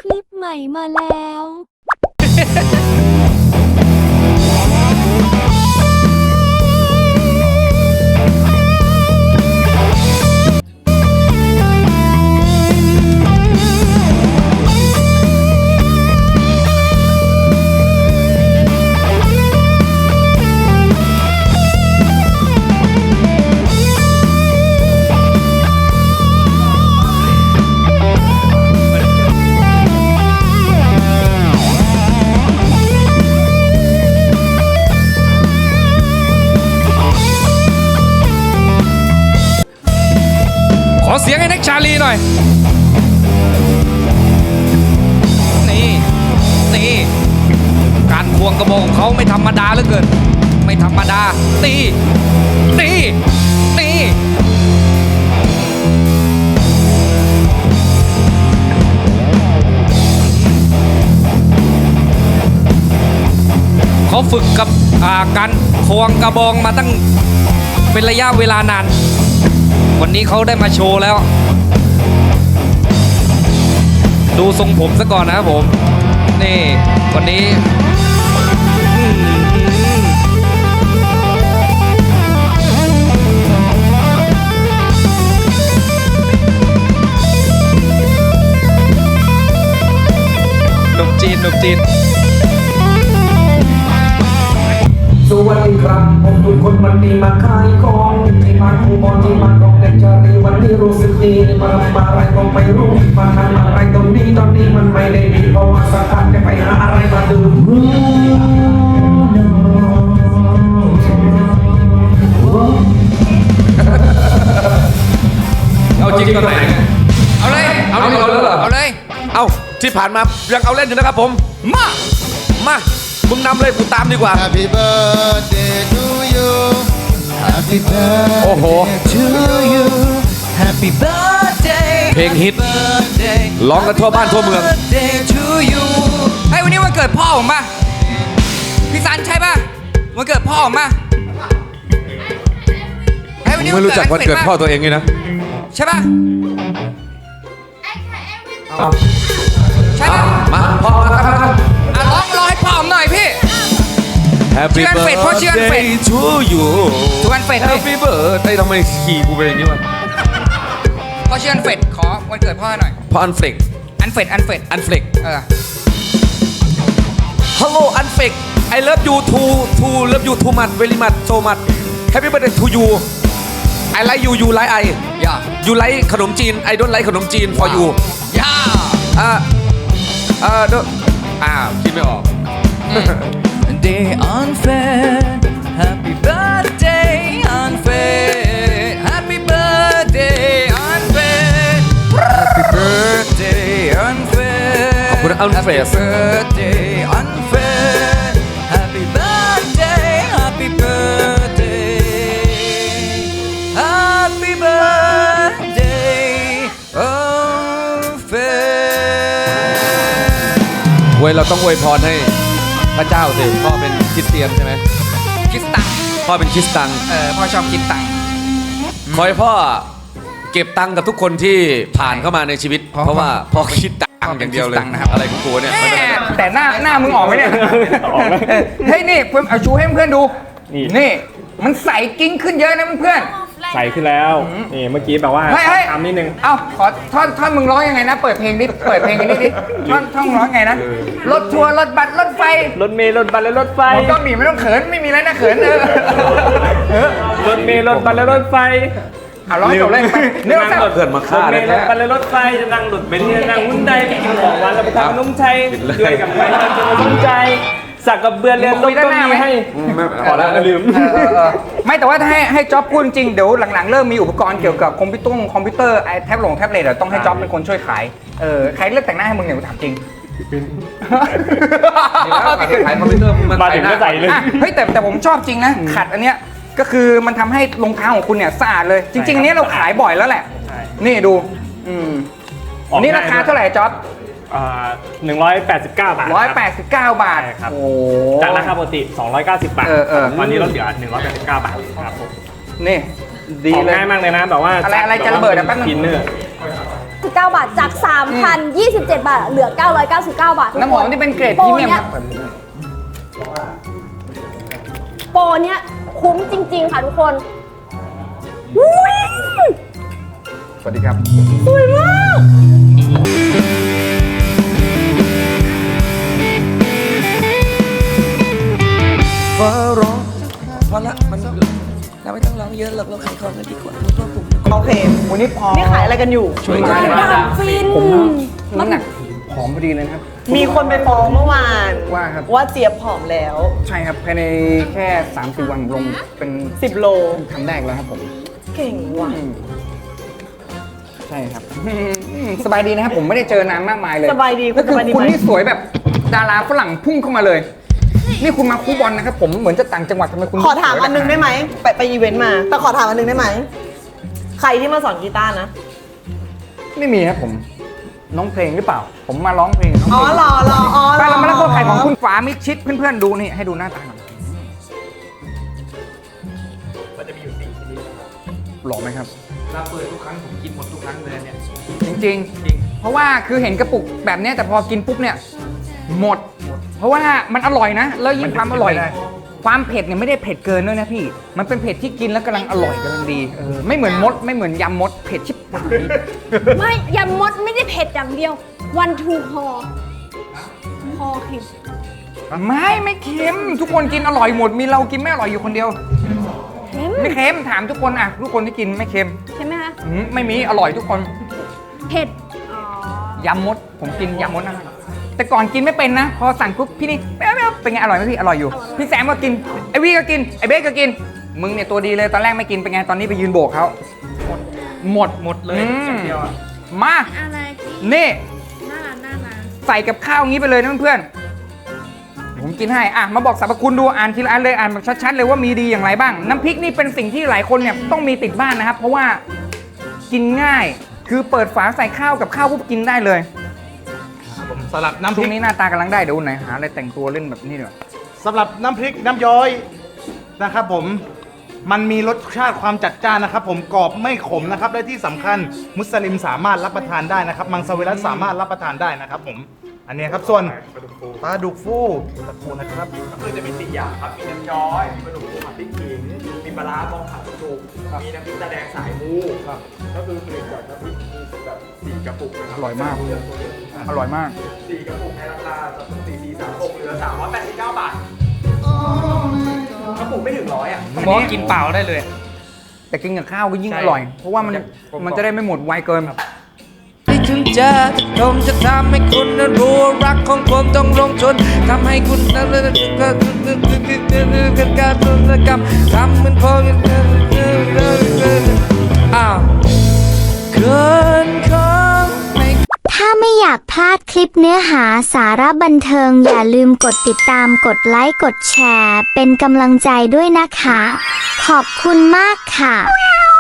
คลิปใหม่มาแล้วขอเสียงให้นักชาลีหน่อยนี่การควงกระบอกของเขาไม่ธรรมดาเหลือเกินไม่ธรรมดาตีเขาฝึกกับการควงกระบองมาตั้งเป็นระยะเวลานานวันนี้เขาได้มาโชว์แล้วดูทรงผมซะก่อนนะครับผมนี่วันนี้หนุ่มจีนสวัสดีครับผมทุกคนวันนี้มาขายของที่มาคูบอลที่มาของเด็กชาลีวันนี้รู้สึกดีมาอะไรก็ไม่รู้มาทำอะไรตรงนี้มันไม่ได้ดีเพราะว่าสถานจะไปหาอะไรมาดูเอาจริงตอนไหนเอาเลยเอาที่ผ่านมายังเอาเล่นอยู่นะครับผมมามึงนำเลยกูตามดีกว่า Happy birthday to you Happy โอ้โห birthday to you Happy birthday เพลงฮิตร้องกันทั่วบ้านทั่วเมือง Birthday to you เฮ้ยวันนี้วันเกิดพ่อผมป่ะพี่ซันใช่ป่ะวันเกิดพ่อผมป่ะเฮ้ยวันนี้ไม่รู้จักวันเกิดพ่อตัวเองเลยนะใช่ป่ะใช่ป่ะมาพ่อมาครับอ่ะร้องให้พ่อผมหน่อยพี่ Happy ชื่ออันเฟดพ่อชื่ออันเฟด birthday to you ทุกวันเฟดพี่ Happy birthday ทำไมขี่กูเป็นอย่างนี้วะพ่อชื่ออันเฟดขอวันเกิดพ่อหน่อยพ่ออันเฟลกอันเฟดอันเฟลก Hello อันเฟลก I love you love you too much very much so much Happy birthday to you I like you you like I ย่า you like ขนมจีน I don't like ขนมจีน for you ย่าคิดไม่ออก Day unfair Happy birthday unfair Happy birthday unfair Happy birthday unfair ขอบคุณ Unfair Happy birthday unfair Happy birthday Happy birthday Happy birthday unfair เว้ยเราต้องอวยพรให้พระเจ้าสิพ่อเป็นคริสเตียนใช่ไหมคิดตังค์พ่อเป็นคริสตังพ่อชอบคิดตังค์ขอให้พ่อเก็บตังค์กับทุกคนที่ผ่านเข้ามาในชีวิต เพราะว่าพ่อคิดตังค์อย่างเดียวเลยอะไรของกูเนี่ยไม่เป็นไรแต่หน้ามึงออกไหมเนี่ยเฮ้ยนี่เพื่อนเอาชูให้เพื่อนดูนี่มันใสกิ้งขึ้นเยอะนะเพื่อนใส่ขึ้นแล้วนี่เมื่อกี้แบบว่าเฮ้ยทำนิดนึงเอาขอท่อนมึงร้องยังไงนะเปิดเพลงกันนิดท่อนร้องไงนะรถทัวร์รถบัสรถไฟรถเมล์รถบัสและรถไฟไม่ต้องหนีไม่ต้องเขินไม่มีอะไรนะเขินรถเมล์รถบัสและรถไฟเอาร้องจบเลยไปเนื้อสักเกิดมาฆ่ารถเมเลยล์รถบัสและรถไฟจะนั่งรถเบนซ์จะนั่งหุ้นใดไปกินของหวานแล้วไปทำขนมชัยด้วยกับใครจะมาสนใจสักกับเบือนเรียนรถก็มีให้พอแล้วลืมไม่แต่ว่าถ้าให้จ๊อบพูดจริงเดี๋ยวหลังๆเริ่มมีอุปกรณ์เกี่ยวกับคอมพิวเตอร์ไอแท็บเล็ตต้องให้จ๊อบเป็นคนช่วยขายใครเลือกแต่งหน้าให้มึงเนี่ยกูถามจริงขายคอมพิวเตอร์มันมาถึงก็ใส่เลยเฮ้ยแต่ผมชอบจริงนะขัดอันเนี้ยก็คือมันทำให้รองเท้าของคุณเนี่ยสะอาดเลยจริงๆอันเนี้ยเราขายบ่อยแล้วแหละนี่ดูนี่ราคาเท่าไหร่จ๊อบ 189 บาท 189 บาทใช่ครับโอ้จากราคาปกติ290 บาทเออตอนนี้ลดเหลือ189 บาทครับผมนี่ดีของเลยง่ายมากเลยนะแบบว่าอะไรจะระเบิดอะแป๊บนึงกินเนื้อ 9 บาทจาก 3,027 บาท เหลือ 999 บาททุกคน้ำหอมที่เป็นเกรดพโปรีรเมียมเนี้คยรับโปรเนี้ยคุ้มจริง ๆ ค่ะทุกคนอุ้ยสวัสดีครับสวยมากฟ้าร้องพอละมันเราไม่ต้องร้องเยอะหรอกเราขายของกันดีกว่าพวกผมโอเควันนี้พอนี่ขายอะไรกันอยู่ช่วยกันดำฟินน้ำหนักผอมพอดีเลยนะครับมีคนไปฟ้องเมื่อวานว่าครับว่าเจี๊ยบผอมแล้วใช่ครับภายในแค่ 3-4 วันลงเป็น 10 โลครั้งแรกแล้วครับผมเก่งว่ะใช่ครับ สบายดีนะครับผมไม่ได้เจอนานมากมายเลยสบายดีก็คือสบายดีคุณไหมนี่สวยแบบดาราฝรั่งพุ่งเข้ามาเลย นี่คุณมาคูบอลนะครับผมเหมือนจะต่างจังหวัดทำไมคุณขอถามสวยอันนึงได้ไหม ไปอีเวนต์มา แต่ขอถามอันนึงได้ไหม ใครที่มาสอนกีตาร์นะไม่มีครับผมน้องเพลงหรือเปล่า ผมมาร้องเพลงน้องอ๋อเพลงรออ๋อไปเรามาเล่นตัวไข่ของคุณฝามิดชิดเพื่อนๆดูนี่ให้ดูหน้าตาหน่อยหล่อไหมครับเราเปิดทุกครั้งผมกินหมดทุกครั้งเลยเนี่ยจริงๆ เพราะว่าคือเห็นกระปุกแบบเนี้ยแต่พอกินปุ๊บเนี่ยหมด เพราะว่ามันอร่อยนะ แล้วยิ่งความอร่อย ความเผ็ดเนี่ยไม่ได้เผ็ดเกินด้วยนะพี่ มันเป็นเผ็ดที่กินแล้วกำลังอร่อยกำลังดีไม่เหมือนมดไม่เหมือนยำมดเผ็ดชิบหายไม่ยำมดไม่ได้เผ็ดอย่างเดียว วันทูฮอเค็มไม่เค็มทุกคนกินอร่อยหมดมีเรากินไม่อร่อยอยู่คนเดียวเค็มไม่เค็มถามทุกคนอ่ะทุกคนที่กินไม่เค็มใช่ไหมคะไม่มีอร่อยทุกคนเผ็ด อ๋อยำมดผมกินยำมดนะแต่ก่อนกินไม่เป็นนะ พอสั่งปุ๊บพี่นี่ไม่เอาเป็นไงอร่อยไหมพี่อร่อยอยู่ พี่แซมก็กินไอวี่ก็กินไอเบสก็กินมึงเนี่ยตัวดีเลยตอนแรกไม่กินเป็นไงตอนนี้ไปยืนโบกเขาหมดเลยอย่างเดียวอะมาอะไรนี่หน้าร้านใส่กับข้าวงี้ไปเลยนะเพื่อนๆผมกินให้อ่ะมาบอกสรรพคุณดูอ่านทีละอันเลยอ่านแบบชัดๆเลยว่ามีดีอย่างไรบ้าง น้ำพริกนี่เป็นสิ่งที่หลายคนเนี่ยต้องมีติดบ้านนะครับ เพราะว่ากินง่ายคือเปิดฝาใส่ข้าวกับข้าวปุ๊บกินได้เลยผมสำหรับน้ำพช่ริวกงนี้หน้าตากำลังได้เดี๋ยวไหนหาอะไรแต่งตัวเล่นแบบนี้เดี๋ยวสำหรับน้ำพริกน้ำย้อยนะครับผมมันมีรสชาติความจัดจ้านนะครับผมกรอบไม่ขมนะครับและที่สำคัญมุสลิมสามารถรับประทานได้นะครับมังสวิรัตสามารถรับประทานได้นะครับผมอันนี้ครับส่วนปลาดุกฟูตะปูนะครับก็คือจะมี4อย่างครับ มีน้ำย้อย มีปลาดุกฟูผัดพริกขิง มีปลาร้าบองผัดสุกมีน้ำพริกตาแดงสายมูครับก็คือผลิตจากน้ำพริกมีแบบ4กระปุกนะครัอร่อยมาก อร่อยมาก 4กระปุกในราคาจะเป็น4436เหลือ389 บาทกระปุกไม่ถึง100อ่ะผมว่ากินเปล่าได้เลย แต่กินกับข้าวก็ยิ่งใช่อร่อย เพราะว่ามันจะได้ไม่หมดไวเกินที่ถึงจะผมจะทำให้คุณนั้นรู้ว่ารักของผมต้องลงทุนทำให้คุณนั้นเป็นการธุรกรรมทำเหมือนพออ้าวเกินของไม่ถ้าไม่อยากพลาดคลิปเนื้อหาสาระบันเทิงอย่าลืมกดติดตามกดไลค์กดแชร์เป็นกำลังใจด้วยนะคะ ขอบคุณมากค่ะ